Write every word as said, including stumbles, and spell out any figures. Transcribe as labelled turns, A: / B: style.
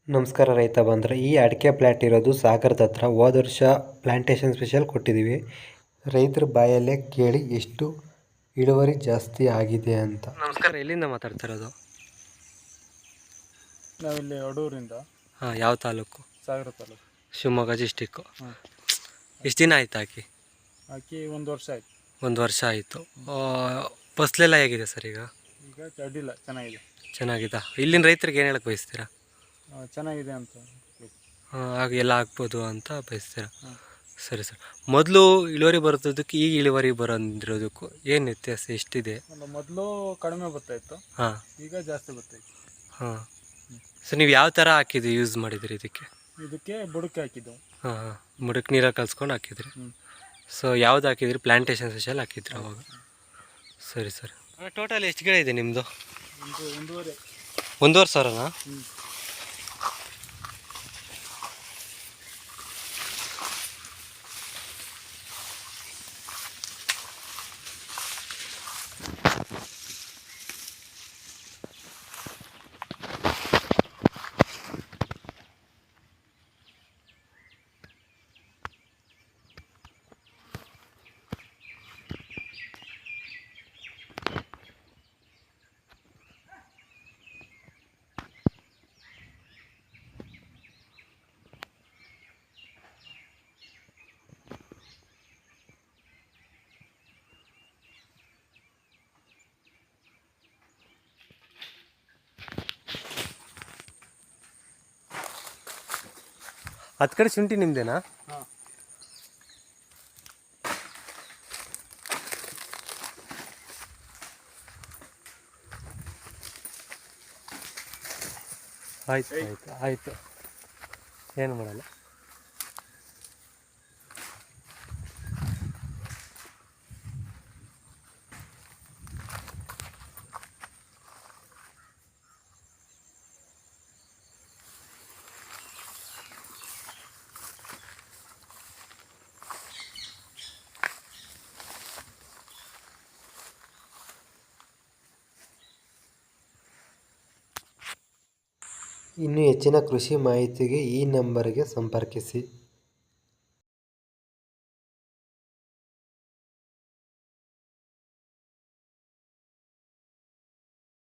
A: ನಮಸ್ಕಾರ ರೈತ ಬಂದರೆ ಈ ಅಡಿಕೆ ಪ್ಲಾಟ್ ಇರೋದು ಸಾಗರದ ಹತ್ರ. ಹೋದ ವರ್ಷ ಪ್ಲಾಂಟೇಶನ್ ಸ್ಪೆಷಲ್ ಕೊಟ್ಟಿದ್ದೀವಿ. ರೈತರ ಬಾಯಲ್ಲೇ ಕೇಳಿ ಎಷ್ಟು ಇಳುವರಿ ಜಾಸ್ತಿ ಆಗಿದೆ ಅಂತ. ನಮಸ್ಕಾರ, ಎಲ್ಲಿಂದ ಮಾತಾಡ್ತಿರೋದು?
B: ನಾವಿಲ್ಲಿ ಅಡೂರಿಂದ.
A: ಹಾಂ, ಯಾವ ತಾಲೂಕು?
B: ಸಾಗರ ತಾಲೂಕು,
A: ಶಿವಮೊಗ್ಗ ಡಿಸ್ಟಿಕ್ಕು.
B: ಹಾಂ.
A: ಎಷ್ಟು ದಿನ ಆಯ್ತು ಹಾಕಿ?
B: ಹಾಕಿ ಒಂದು ವರ್ಷ ಆಯ್ತು.
A: ಒಂದು ವರ್ಷ ಆಯಿತು. ಫಸಲೆಲ್ಲ ಹೇಗಿದೆ ಸರ್ ಈಗ?
B: ಈಗ ಅಡ್ಡಿಲ್ಲ, ಚೆನ್ನಾಗಿದೆ.
A: ಚೆನ್ನಾಗಿದೆ. ಇಲ್ಲಿನ ರೈತರಿಗೆ ಏನು ಹೇಳಕ್ಕೆ ಬಯಸ್ತೀರಾ?
B: ಆ, ಚೆನ್ನಾಗಿದೆ ಅಂತ
A: ಹಾಗೆ ಎಲ್ಲ ಆಗ್ಬೋದು ಅಂತ ಬಯಸ್ತೀರಾ?
B: ಹಾಂ.
A: ಸರಿ ಸರ್. ಮೊದಲು ಇಳುವರಿ ಬರೋದಕ್ಕೆ ಈಗ ಇಳುವರಿ ಬರೋದಿರೋದಕ್ಕೂ ಏನು ವ್ಯತ್ಯಾಸ ಎಷ್ಟಿದೆ?
B: ಒಂದು ಮೊದಲು ಕಡಿಮೆ ಬರ್ತಾಯಿತ್ತು,
A: ಹಾಂ,
B: ಈಗ ಜಾಸ್ತಿ ಬರ್ತಾಯಿತ್ತು.
A: ಹಾಂ. ಸರ್, ನೀವು ಯಾವ ಥರ ಹಾಕಿದ್ರಿ, ಯೂಸ್ ಮಾಡಿದ್ರಿ ಇದಕ್ಕೆ?
B: ಇದಕ್ಕೆ ಬುಡಕ್ಕೆ ಹಾಕಿದ್ದೆವು.
A: ಹಾಂ ಹಾಂ, ಮುಡಕ್ಕೆ ನೀರಲ್ಲಿ ಕಲ್ಸ್ಕೊಂಡು ಹಾಕಿದ್ರಿ.
B: ಹ್ಞೂ.
A: ಸೊ ಯಾವ್ದು ಹಾಕಿದ್ರಿ? ಪ್ಲಾಂಟೇಶನ್ ಸ್ಪೆಷಲ್ ಹಾಕಿದ್ರಿ ಅವಾಗ? ಸರಿ ಸರ್. ಟೋಟಲ್ ಎಷ್ಟು ಗಿಡ ಇದೆ ನಿಮ್ಮದು?
B: ಒಂದು ಒಂದೂವರೆ.
A: ಒಂದೂವರೆ ಸಾವಿರನಾ?
B: ಹ್ಞೂ.
A: ಹತ್ತು ಕಡೆ ಶುಂಠಿ ನಿಮ್ಮದೇನಾ?
B: ಹಾಂ.
A: ಆಯ್ತು ಆಯಿತು ಆಯಿತು, ಏನು ಮಾಡಲ್ಲ. ಇನ್ನು ಹೆಚ್ಚಿನ ಕೃಷಿ ಮಾಹಿತಿಗೆ ಈ ನಂಬರಿಗೆ ಸಂಪರ್ಕಿಸಿ.